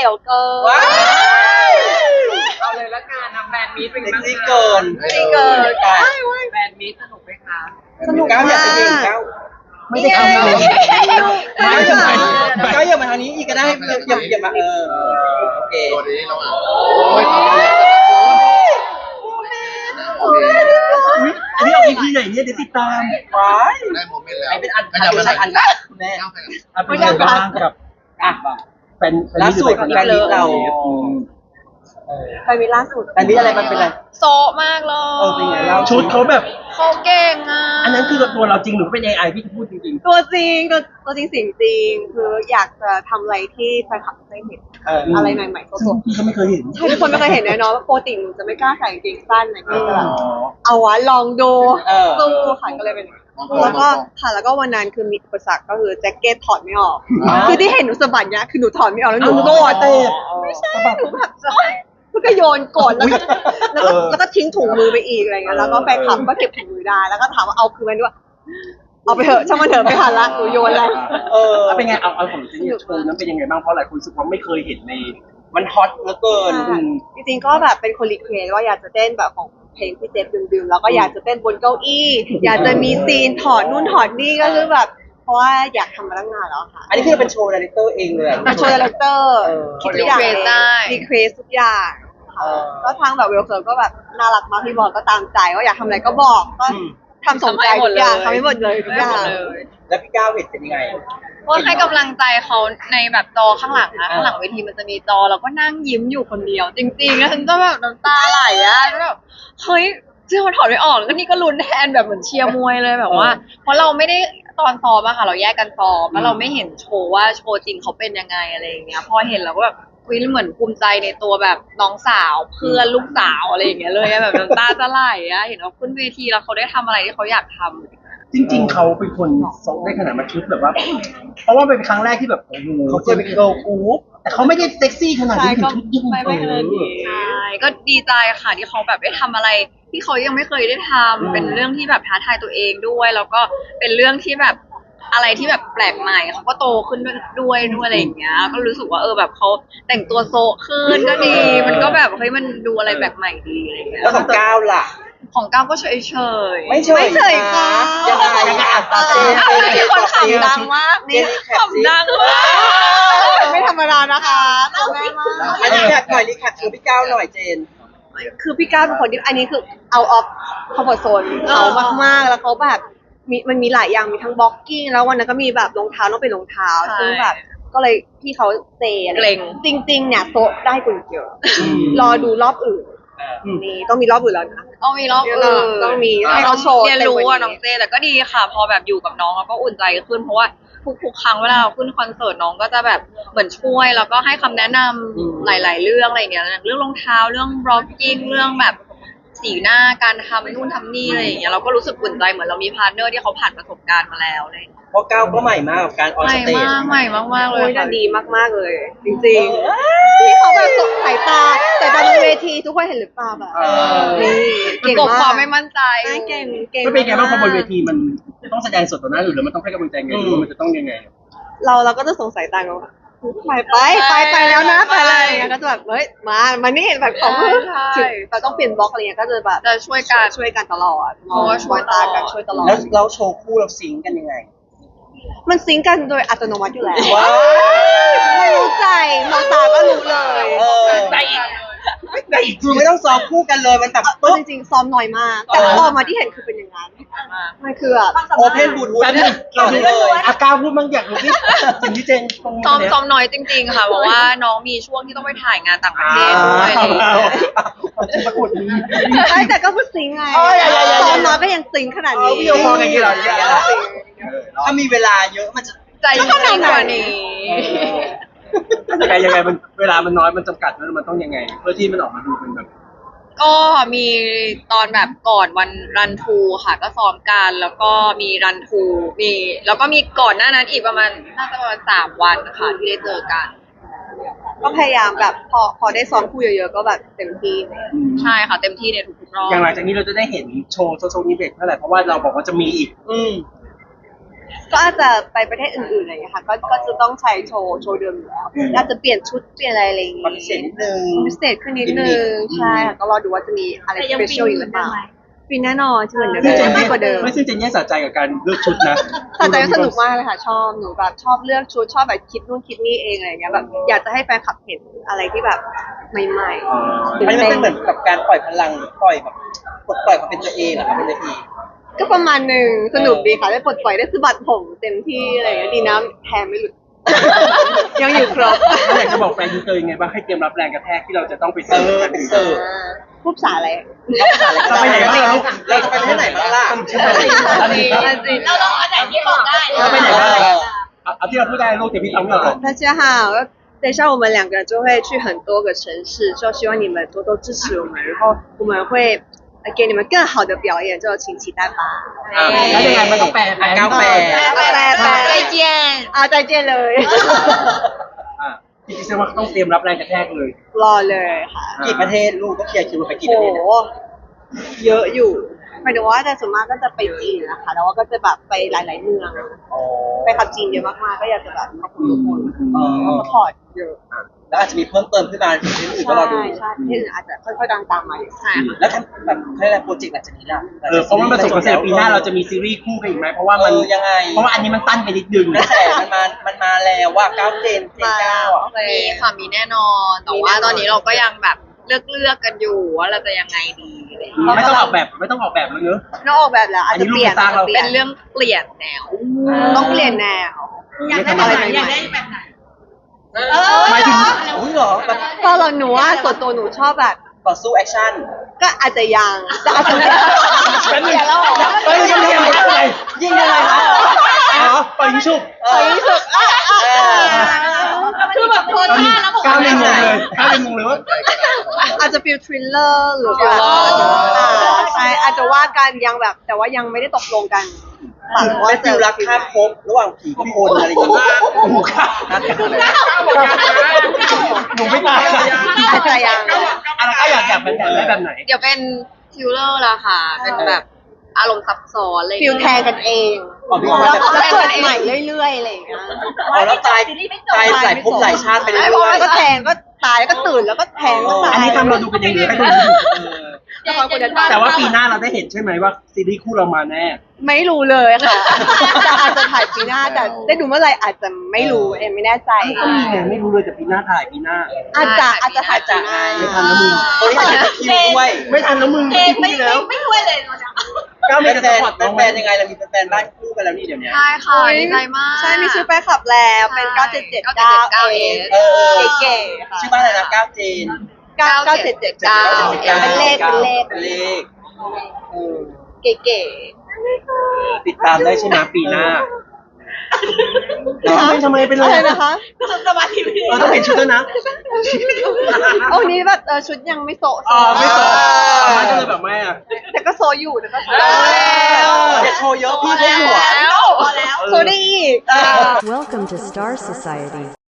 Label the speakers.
Speaker 1: ลเกิน
Speaker 2: ว้าย
Speaker 3: เอาเลยละกันนะแฟนมีตเป็น
Speaker 2: เซ็ก
Speaker 3: บ้าง
Speaker 2: ซี่เกิน
Speaker 1: เกิน
Speaker 3: แฟนมีตสนุกไหมคะ
Speaker 1: สนุก
Speaker 2: ก้าวอยาก
Speaker 1: มา
Speaker 2: จะยืน
Speaker 1: ก
Speaker 2: ก้าว
Speaker 4: ไม่ได้ทำอะไร
Speaker 2: ไม่ทำไมก้าวอย่ามาทางนี้อีกก็ได้อย่ามาโอเค
Speaker 5: ตัวนี้เราอ่ะ
Speaker 4: อันนี้ออก EP ไหนเนี่ยเดี๋ยวติดตาม
Speaker 2: ว้าย
Speaker 5: ได้โมเมนต์แล้ว
Speaker 2: ไอ้เป็นอัน
Speaker 5: ขยับไป
Speaker 2: ใช่อันคุณแม่
Speaker 5: ก้าวไปกัน
Speaker 4: อ่ะเป็นยังไงบ้างกับ
Speaker 2: อ่ะ
Speaker 4: แฟน
Speaker 2: ล่าสุดแฟนมิตรเรา
Speaker 1: ไปมีล่าสุด
Speaker 2: แฟนมิตรอะไรมันเป็นอะไร
Speaker 6: โซะมากเลย
Speaker 2: เป็นไงเล่า
Speaker 4: ชุดเขาแบบ
Speaker 6: เขาเก่งอ่ะ
Speaker 4: อันนั้นคือตัวเราจริงหรือเป็น AI พี่จะพูดจริง
Speaker 1: ตัวจริงตัวจริงเสียงจริงคืออยากจะทำอะไรที่แฟนคลับได้เห็น อะไรใหม่ๆส
Speaker 4: ๆซึ่ง
Speaker 1: ด
Speaker 4: พี่ก็ไม่เคยเห็น
Speaker 1: ๆใช่ทุกคนไม่เคยเห็นแน่นอนว่าปกติหนูจะไม่กล้าใส่กางเกงสั้นอะไรอย่างเงี้ยแต่แบบเอาวะลองดูสู้ค่ะก็เลยเป็นอย่างนั้นแล้วก็ค่ะแล้วก็วันนั้นคือมีอุปสรรคก็คือแจ็คเก็ตถอดไม่ออกคือที่เห็นหนูสะบัดเนี้ยคือหนูถอดไม่ออกแล้วหนูโกรธ ไม่ใช่หนูแบบก็โยนกดแล้วก็ทิ้งถุงมือไปอีกอะไรเงี้ยแล้วก็แฟนคลับก็เก็บถุงมือได้แล้วก็ถามว่าเอาคืนไหมด้วยเอาไปเถอะช่างมันเถอะไม่ทันละหนูโยนแล้ว
Speaker 4: แล้วเป็นไงเอาของจริงโชว์นั้นเป็นยังไงบ้างเพราะหลายคนรู้สึกว่าไม่เคยเห็นใน
Speaker 2: มันฮอตเหลือเกิน
Speaker 1: จริงๆก็แบบเป็นคนรีเควสว่าอยากจะเต้นแบบของเพลงพี่เจฟดื่มๆแล้วก็อยากจะเต้นบนเก้าอี้อยากจะมีซีนถอดนู่นถอดนี่ก็คือแบบเพราะว่าอยากทำมาตั้งนานแล้วค่ะ
Speaker 2: อันนี้คือเป็นโชว์ดีเรคเตอร์เองเลย
Speaker 1: โชว์ดีเรคเตอร์คิดทุกอย่าง
Speaker 6: รีเควสได้
Speaker 1: รีเควสทุกอย่างก็ทางแบบเวลเคิร์ก็แบบน่ารักมากพี่บอลก็ตามใจว่าอยากทำอะไรก็บอกก็ทำสมใจทุกอย่างทำให้หมดเลยทุกอย่าง
Speaker 2: แล้วพี่ก้าวเห็นเป็นยังไง
Speaker 6: ก็ให้กำลังใจเขาในแบบจอข้างหลังนะข้างหลังเวทีมันจะมีจอแล้วก็นั่งยิ้มอยู่คนเดียว จริงๆแล้วฉันก็แบบน้ำตาไหลอ่ะแล้วแบบเฮ้ยเชื่อมันถอดไม่ออกแล้วก็นี่ก็ลุ้นแทนแบบเหมือนเชียร์มวยเลยแบบว่า เพราะเราไม่ได้ตอนซ้อมอะค่ะเราแยกกันซ้อมแล้วเราไม่เห็นโชว์ว่าโชว์จริงเขาเป็นยังไงอะไรอย่างเงี้ยพอเห็นเราก็แบบคุยเหมือนภูมิใจในตัวแบบน้องสาวเพื่อนลูกสาวอะไรอย่างเงี้ยเลยอะแบบน้ำตาจะไหลอะเห็นเขาขึ้นเวทีแล้วเขาได้ทำอะไรที่เขาอยากทำ
Speaker 4: จริง ๆเขาเป็นคนทรงได้ขนาดมาชุดแบบว่า เพราะว่าเป็นครั้งแรกที่แบบโอ้โห
Speaker 2: เขาเคยเป็นเกิร์ลกรุ๊ป
Speaker 4: แต่เขาไม่ได้เซ็กซี่ขนาด
Speaker 1: ใช่
Speaker 4: นี้ถึ
Speaker 1: ก็
Speaker 4: งชุดยิ่ง
Speaker 1: ไม่ขนาดนี้
Speaker 6: ใช่ก็ดีใจค่ะที่เขาแบบได้ทำอะไรที่เขายังไม่เคยได้ทำเป็นเรื่องที่แบบท้าทายตัวเองด้วย แล้วก็เป็นเรื่องที่แบบอะไรที่แบบแปลกใหม่เขาก็โตขึ้นด้วยอะไรอย่างเงี้ยก็รู้สึกว่าแบบเขาแต่งตัวโซะขึ้นก็ดี มันก็แบบเฮ้ยมันดูอะไรแปลกใหม่ดีอะไรอย่างเงี้ย
Speaker 2: แล้วของก้าวล่ะ
Speaker 6: ของก้าวก็เฉยเฉยๆ
Speaker 2: ไม่เฉยค่ะยังไงอ่ะตาเจน
Speaker 6: อ้าวแล้วมีคนขำดังมาก
Speaker 2: นี่แคปซิ
Speaker 6: ขำดังมาก
Speaker 1: ไม่ธรรมดานะคะตัวแม่มาก
Speaker 2: อันนี้แคปหน่อยนี่แคปคือพี่ก้าวหน่อยเจน
Speaker 1: คือพี่ก้าวเป็นคนที่อันนี้คือเอาออฟคอมฟอร์ทโซนเขามากๆแล้วเขาแบบมันมีหลายอย่างมีทั้งบล็อกกิ้งแล้ววันนั้นก็มีแบบรองเท้าต้องเป็นรองเท้าซึ่งแบบก็เลยพี่เขาเซน
Speaker 6: เกรง
Speaker 1: จริงๆเนี่ยโซะได้กุญเกียวรอดูรอบอื่นนี่ต้องมีรอบอื่นแล้วนะ
Speaker 6: เอามีรอบอื่น
Speaker 1: ต้องมีให้เขาโชว์
Speaker 6: เรียนรู้
Speaker 1: เต็มกว่านี้
Speaker 6: น้องเจแต่ก็ดีค่ะ พอแบบอยู่กับน้องเราก็อุ่นใจขึ้นเพราะว่าทุกครั้งเวลาเราขึ้นคอนเสิร์ตน้องก็จะแบบเหมือนช่วยแล้วก็ให้คำแนะนำหลาย ๆ เรื่องอะไรอย่างเงี้ยเรื่องรองเท้าเรื่องบล็อกกิ้งเรื่องแบบสีหน้าการทำนู่นทำนี่อะไรอย่างเงี้ยเราก็รู้สึกอุ่นใจเหมือนเรามีพาร์ทเนอร์ที่เขาผ่านประสบการณ์มาแล้วเลย
Speaker 2: เพราะก้าวก็ใหม่มากกับการออน
Speaker 6: ใหม่
Speaker 2: สเตจ
Speaker 6: มากใหม่มากๆเล
Speaker 1: โอ้
Speaker 6: ย
Speaker 1: ย
Speaker 6: ค่ะ
Speaker 1: จะดีมากๆเลย จริงๆพี่เขาแบบสดสายตาบนเวทีทุกคนเห็นหรือเปล่าแบบนี่เก่ง
Speaker 6: กบ
Speaker 1: มา
Speaker 6: ควาก มไม่มั่นใจ
Speaker 1: เก่ง
Speaker 4: ก็เป็นไงบ้างพอบนเวทีมันต้องแสดงสดต่อหน้าหรือมันต้องให้กำลังใจไงหรือว่ามันจะต้องยังไง
Speaker 1: เราก็จะสงสัยตังค์ว่าไปแล้วนะไปอะไรอย่างเงี้ยก็จะแบบเฮ้ยมานี่แบบของ
Speaker 6: ใช่
Speaker 1: ถึงเราต้องเปลี่ยนบล็อกอะไรเงี้ยก็จะแบบ
Speaker 6: จะช่วยกัน
Speaker 1: ช่วยกันตลอด
Speaker 6: เพราะว่าช่วยตลอด
Speaker 1: กันช่วยตลอด
Speaker 2: แล้วเราโชว์คู่เราซิงค์กันยังไง
Speaker 1: มันซิงก์กันโดยอัตโนมัติอยู่แล้ว
Speaker 2: ว้าว
Speaker 1: ไม่รู้ใจมองตาก็รู้เลย
Speaker 4: ได้อีก
Speaker 2: คือไม่ต้องซ้อมคู่กันเลยมันแบบ
Speaker 1: เพราะ
Speaker 2: ปุ๊บ
Speaker 1: จริงๆซ้อมน้อยมากแต่พอมาที่เห็นคือเป็นอย่างนั้นมันคือแบบ
Speaker 2: โอเพนบลูทูธ
Speaker 4: แป๊บนึง
Speaker 2: ต่อได้เลย
Speaker 4: อาการพูดมั้งอยากรู้ที่สิ่งที่เจนตรง
Speaker 6: ซ้อมน้อยจริงๆค่ะเพราะว่าน้องมีช่วงที่ต้องไปถ่ายงานต่างประเทศด้วยอะไรอย่างเงี้ย
Speaker 4: ประกวดนี้
Speaker 1: ใช่แต่ก็เพิ่งซิงก์ไง
Speaker 2: โอ้ยอย่า
Speaker 1: ซ้อมน้อยก็ยังซิงก์ขนาดนี้
Speaker 2: วิดีโอคอลกันกี่หรอถ้ามีเวลาเยอะมันจะ
Speaker 6: ใจเย็นกว่านี้
Speaker 4: ยังไงมันเวลามันน้อยมันจำกัดแล้วมันต้องยังไง เพื่อที่มันออกมาดูเป็นแบบ
Speaker 6: ก็มีตอนแบบก่อนวันรันทูค่ะก็ซ้อมกันแล้วก็มีรันทูมีแล้วก็มีก่อนหน้านั้นอีกประมาณน่าจะประมาณ3 วันค่ะที่ได้เจอกัน
Speaker 1: ก็พยายามแบบพอได้ซ้อมคู่เยอะๆก็แบบเต็มที่
Speaker 6: ใช่ค่ะเต็มที่ในทุกๆรอบ
Speaker 4: อย่างหลังจากนี้เราจะได้เห็นโชว์โซโซนิเบกเท่าไหร่เพราะว่าเราบอกว่าจะมีอีก
Speaker 1: ก็อาจจะไปประเทศอื่นๆอะไรอย่างเงี้ยค่ะก็จะต้องใช้โชว์เดิมอยู่แล้วอาจจะเปลี่ยนชุดเปลี่ยนอะไรอย่าง
Speaker 2: ความ
Speaker 1: งี้
Speaker 2: พิเศษนิดนึง
Speaker 1: พิเศษขึ้นนิดนึงใช่ค่ะก็รอดูว่าจะมีอะไรสเปเชียลอีกหรือเปล่าฟินแน่นอนที่เหมือนเดิม
Speaker 4: ซึ่งเจน
Speaker 1: มากกว่าเดิม
Speaker 4: ไม่ซึ่งเจนนี่สะใจกับการเลือกชุดนะ
Speaker 1: แต่ใจก็สนุกมากเลยค่ะชอบหนูแบบชอบเลือกชุดชอบแบบคิดนู่นคิดนี่เองอะไรอย่างเงี้ยแบบอยากจะให้แฟนคลับเห็นอะไรที่แบบใหม่ๆ
Speaker 2: อันนี้มันเป็นเหมือนกับการปล่อยพลังปล่อยแบบปลดปล่อยความเป็นตัวเองเหรอครับเป็นตัวเอง
Speaker 1: ก็ประมาณหนึ่งสนุกดีค่ะได้ปลดปล่อยได้สะบัดผมเต็มที่อะไรอย่างเงี้ยดีนะแฮร์ไม่หลุด ยังอยู่ครบ
Speaker 4: อยากจะบอกแฟนยูเตอร์ยังไงบ้างให้เตรียมรับแรงกระแทกที่เราจะต้องไปเสิร์ฟกัน
Speaker 2: เป็นเสิร์ฟ
Speaker 1: พูดภาษาอะไร
Speaker 2: เราไปไหนบ้างเราจะไปที่ไหนบ้างล่ะ
Speaker 6: เราลองอันไหนที่บอกได้
Speaker 4: เราไปไหนบ้างเอาที่เราพูดได้ลูกเดี๋ยวพี่ทำก่อน
Speaker 1: 大家好，等一下我们两个人就会去很多个城市，就希望你们多多支持我们，然后我们会给你们更好的表演，就请期待吧。
Speaker 4: แล้วยังไงมันต้องแปล
Speaker 2: ก้าวแปล
Speaker 6: 再见
Speaker 1: 啊，再见เลย
Speaker 4: จริงๆแสดงว่าต้องเตรียมรับแรงกระแทกเลย
Speaker 1: รอเลยค่ะ
Speaker 2: กี่ประเทศลูกก็เคลียร์คิวไปกี่
Speaker 1: โอ้
Speaker 2: ประเทศ
Speaker 1: โหเยอะอยู่หมายถึงว่าแต่ส่วนมากก็จะไปจีนนะคะแล้วว่าก็จะแบบไปหลาย ๆ เมือง
Speaker 2: อ๋อ
Speaker 1: ไปขับจีนเยอะมากๆก็อยากจะแบบขอบคุณทุกคนเขาสปอร์ตเยอะ
Speaker 2: แล้วอาจจะมีเพิ่มเติมขึ้นมาที่อื่นก็รอดู
Speaker 1: ใช่ที่อื่นอาจจะค่อยๆดังตามมาใช่ค่ะ
Speaker 2: แล้วทำแบบเขาเรียกอะไรโปรเจกต์หลังจากนี้ล่ะ
Speaker 4: เพราะว่ามันประสบความสำเร็จปีหน้าเราจะมีซีรีส์คู่กันอีกไหมเพราะว่ามัน
Speaker 2: ยังไง
Speaker 4: เพราะว่าอันนี้มันตั้นไปนิดนึง
Speaker 2: กระแสมันมาแล้วว่าก้าวเจนเก้าอ่ะ
Speaker 6: มีค่ะมีแน่นอนแต่ว่าตอนนี้เราก็ยังแบบเลือกกันอยู่ว่าเราจะยังไงดีอะไรอย่างเงี้ย
Speaker 4: ไม่ต้องออกแบบแล้วเนอะ
Speaker 1: นอกออกแบบแล้วอาจจะเปลี่ยน
Speaker 4: อันนี้รูปสร้างเรา
Speaker 6: เป็นเรื่องเปลี่ยนแนว
Speaker 1: ต้องเปลี่ยนแนว
Speaker 4: อยากได้แบบไหน
Speaker 1: อยากได้แบบ
Speaker 4: หมายถึง
Speaker 2: อุ้ยเหรอแบบ
Speaker 1: พอเราหนูว่าส่วนตัวหนูชอบแบบ
Speaker 2: ต่อสู้แอคชั่น
Speaker 1: ก็อาจจะยังแต่อาจจะไม่
Speaker 4: แป๊บนึง
Speaker 1: เปลี่ยนแล้วเหรอ
Speaker 4: เฮ้ยยังไม่อะไร
Speaker 2: ยิงยังไงนะ
Speaker 4: อ๋อปล่อยยิงชุบ
Speaker 1: รู้สึกคือแบบโท
Speaker 4: ตอนนี้ก้าวเป็นงงเลยว่า
Speaker 1: อาจจะฟิลทริลเลอร์หรือว่าใช่อาจจะว่ากันยังแบบ แต่ว่ายังไม่ได้ตกลงกันค่ะ
Speaker 2: เป็นฟิลรักข้ามภพระหว่างผีกับคนอะไรอย่างเงี้ย
Speaker 4: โอ้โหค่ะหนูไม่ตาย
Speaker 1: อาจจะยัง
Speaker 4: อะไรก็อยากเป็นแบบไหน
Speaker 6: เดี๋ยวเป็นทิวเลอร์ละค่ะ เป็นแบบอารมณ์ซับซ้อนเลย
Speaker 1: ฟิลแทนกันเอง
Speaker 2: อ๋อมี
Speaker 1: แล้ว
Speaker 2: ความ
Speaker 1: ก็เกิดใหม่เรื่อยๆอะไรอย่างเงี้ย
Speaker 2: อ๋อแล้วตายหลายภพหลายชาติไปเรื่
Speaker 1: เพราะ
Speaker 2: อ
Speaker 1: ว่าย ก็แทงก็ตายแล้วก็ตื่นแล้วก็แทงก็ตาย
Speaker 4: อันนี้ทำเราดูเป็นยังไงให้ดู แต่ว่าปีหน้าเราได้เห็นใช่ไหมว่าซีรีส์คู่เรามาแน่
Speaker 1: ไม่รู้เลยค่ะแต่อาจจะถ่ายปีหน้าแต่ได้ดูเมื่อไหร่อาจจะไม่รู้เอ็มไม่แน่ใจ
Speaker 4: ก็มีไงไม่รู้เลยแต่ปีหน้าถ่ายปีหน้า
Speaker 1: อาจจะถ่ายปีหน้า
Speaker 4: ไม่ทันแล้วมึง
Speaker 2: ตัวนี้อาจจะคิวด้วย
Speaker 4: ไม่ทันแล้วมึงไม่แล้ว
Speaker 1: ไม่ช่วยเลย
Speaker 4: ก้าว
Speaker 2: แฟ
Speaker 4: ไม่
Speaker 2: น
Speaker 4: จะ
Speaker 2: แฟ
Speaker 4: ส
Speaker 2: น
Speaker 4: ปอร์ตน้อง
Speaker 2: แฟนยังไงเรามีแฟนบ้านคู่กันแล้วนี่เดี๋ยวนี้
Speaker 6: ใช่ค่ะดีใจมาก
Speaker 1: ใช่มีชื่อแฟนคลับแล้วเป็น 9779
Speaker 2: เออ
Speaker 1: เก๋ๆค่ะ
Speaker 2: ชื่อบ้านอะไรนะก้าวเจน
Speaker 1: 9779เป็นเลข
Speaker 2: เป็นเลขเออ
Speaker 1: เก๋
Speaker 4: ติดตามได้ใช่ไหมปีหน้า
Speaker 1: ๆ
Speaker 4: ทำไมเป็น
Speaker 1: อะไรนะคะ
Speaker 4: เราต้องเห็นชุดแล้วนะ
Speaker 1: โอ้นี้แบบชุดยังไม่โซะ
Speaker 4: ไม่ต่อมันก็เลยแบบไม่อะ
Speaker 1: แต่ก็โซอยู่แต่ก็โซ
Speaker 2: อย่าโชว์เยอะพี่เขาหัว
Speaker 1: โซได้อีก
Speaker 5: Welcome to Star Society.